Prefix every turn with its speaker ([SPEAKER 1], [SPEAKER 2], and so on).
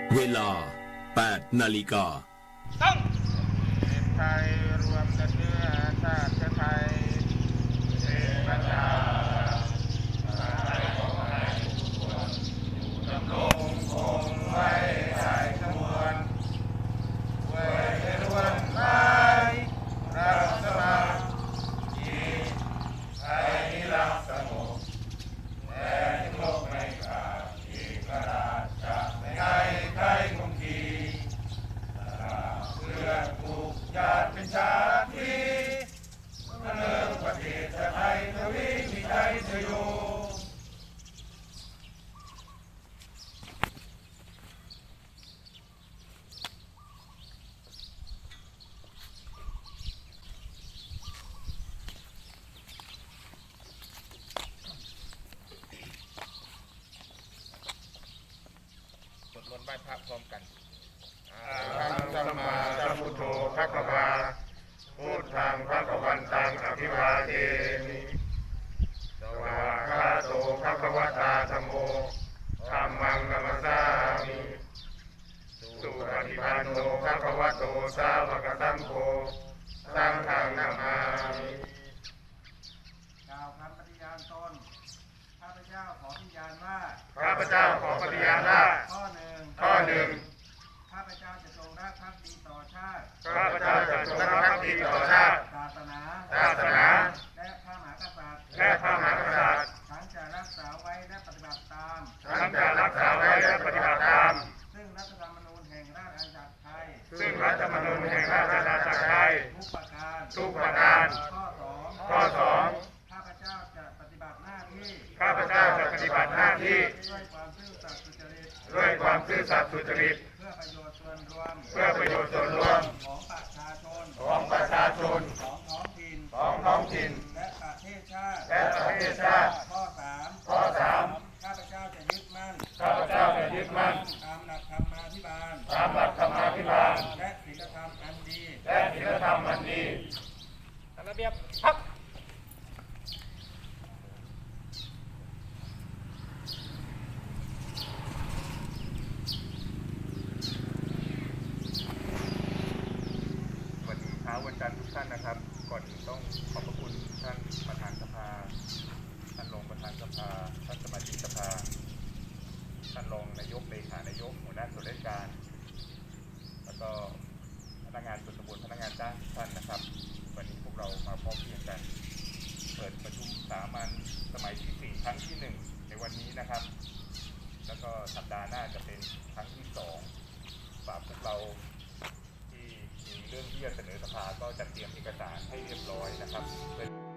[SPEAKER 1] เวลา 8 นาฬิกา
[SPEAKER 2] ต้องเป็นไทยรวมกันเนื้อชาติไทยเป็นประชาไทยของไทยทุกคนอยู่ดำรงคงไว้ได้ทั้งมวลเว้ยเป็นวันไม้รักสมัครที่ไทยนิรักสงบแต่โลกไม่ขาดอีกกระดาษจะไม่ให้ใครคงทีเพื่อถูกญาติเป็นชาติเลิกประเทศไทยทวีมีใจเธออยู่สวดมนต์ไหว้พระพร้อมกันสัมมาสัมพุทโธภควาพุทธังภควันตังอภิวาเทมิสวากขาโตภควตาธัมโมธัมมังนัมสสามิสุปฏิปันโนภควโตสาวกสังโฆสังฆังนามามิ
[SPEAKER 3] กล่าวคำปฏิญาณตนข้าพเจ้าขอปฏิญาณว่า
[SPEAKER 2] ข้าพเจ้าขอปฏิญาณว่า
[SPEAKER 3] ข้อหนึ่งข้าพเจ้าจะจงรักภักดีต่อชาติ
[SPEAKER 2] ข้าพเจ้าจะจงรักภักดีต่อชาติ
[SPEAKER 3] ศาสนาและพระมหากษัตริย์ฉันจะรักษาไว้และปฏิบัติตามซึ่งรัฐธรรมนูญแห่งราชอาณาจักรไทยทุกประการข้อสองข้าพเจ้าจะปฏิบัติหน้าที่ด้วยความซื่อสัตย์สุจริตเพื่อประโยชน์ส่วนรวมของประชาชนของท้องถิ่นและประเทศชาติข้อสามข้าพเจ้าจะยึดมั่นตามหลักธรรมาภิบาลและศีลธรรมอันดีระเบียบพัก
[SPEAKER 2] วันจันทร์ทุกท่านนะครับก่อนอื่นต้องขอบพระคุณท่านประธานสภาท่านรองประธานสภาท่านสมาชิกสภาท่านรองนายกเลขานายกหัวหน้าส่วนราชการแล้วก็พนักงานส่วนตำบลพนักงานจ้างทุกท่านนะครับวันนี้พวกเรามาพร้อมเพรียงกันเปิดประชุมสามัญสมัยที่4ครั้งที่1ในวันนี้นะครับแล้วก็สัปดาห์หน้าจะเป็นครั้งที่2ฝากพวกเรามีเรื่องที่จะเสนอสภาก็จัดเตรียมเอกสารให้เรียบร้อยนะครับ